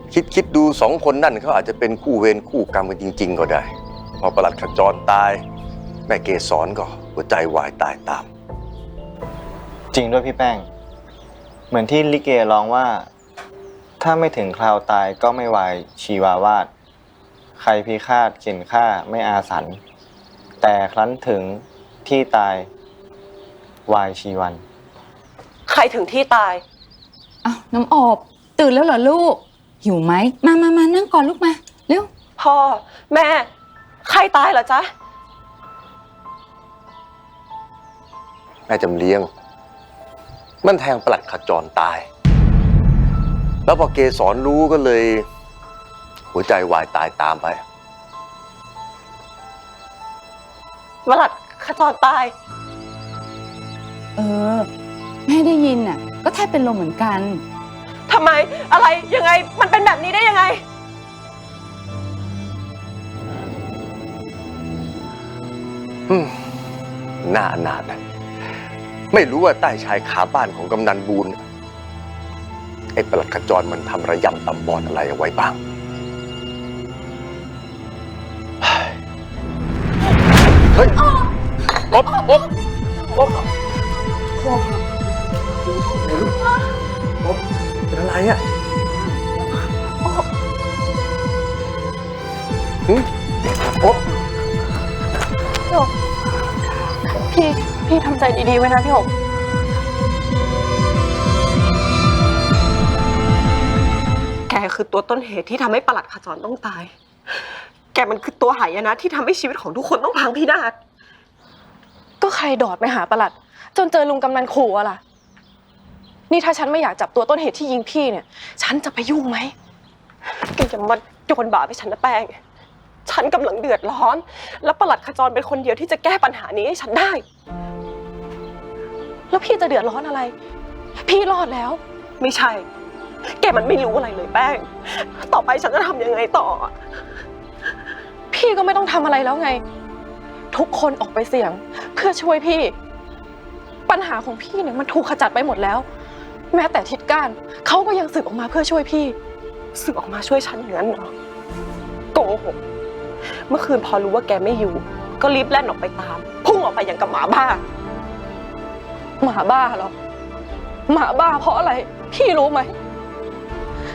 คิดดูสองคนนั่นเขาอาจจะเป็นคู่เวรคู่กรรมกันจริงๆก็ได้พอประหลัดขจรตายแม่เกศรก็หัวใจวายตายตามจริงด้วยพี่แป้งเหมือนที่ลิเกร้องว่าถ้าไม่ถึงคราวตายก็ไม่วายชีวาวาดใครพิฆาตเข็นฆ่าไม่อาสันแต่ครั้นถึงที่ตายวายชีวันใครถึงที่ตายอ้าวน้ำอบตื่นแล้วเหรอลูกหิวไหมมานั่งก่อนลูกมาเร็วพ่อแม่ใครตายเหรอจ๊ะแม่จำเลี้ยงมันแทงประหลัดขจรตายแล้วพอเกศรรู้ก็เลยหัวใจวายตายตามไปประหลัดขจรตายแม่ได้ยินน่ะก็แทบเป็นลมเหมือนกันทำไมอะไรยังไงมันเป็นแบบนี้ได้ยังไงน่าอนาถนะไม่รู้ว่าใต้ชายคาบ้านของกำนันบูนไอ้ประหลัดขจรมันทำระยำตำบอดอะไรเอาไว้บ้างเฮ้ยอบเป็นอะไรอ่ะอบพี่ทำใจดีๆไว้นะพี่หงแกคือตัวต้นเหตุที่ทำให้ประหลัดขจรต้องตายแกมันคือตัวหายนะที่ทำให้ชีวิตของทุกคนต้องพังพินาศก็ใครดอดไปหาประหลัดจนเจอลุงกำนันขู่อะล่ะนี่ถ้าฉันไม่อยากจับตัวต้นเหตุที่ยิงพี่เนี่ยฉันจะไปยุ่งไหมแกอย่ามาโยนบาปให้ฉันนะแป้งฉันกำลังเดือดร้อนแล้วประหลัดขจรเป็นคนเดียวที่จะแก้ปัญหานี้ให้ฉันได้แล้วพี่จะเดือดร้อนอะไรพี่รอดแล้วไม่ใช่แกมันไม่รู้อะไรเลยแป้งต่อไปฉันจะทำยังไงต่อพี่ก็ไม่ต้องทำอะไรแล้วไงทุกคนออกไปเสี่ยงเพื่อช่วยพี่ปัญหาของพี่เนี่ยมันถูกขจัดไปหมดแล้วแม้แต่ทิดก้านเขาก็ยังสึกออกมาเพื่อช่วยพี่สึกออกมาช่วยฉันอย่างนั้นเหรอโกหกเมื่อคืนพอรู้ว่าแกไม่อยู่ก็รีบแล่นออกไปตามพุ่งออกไปอย่างกับหมาบ้าหมาบ้าเหรอหมาบ้าเพราะอะไรพี่รู้ไหม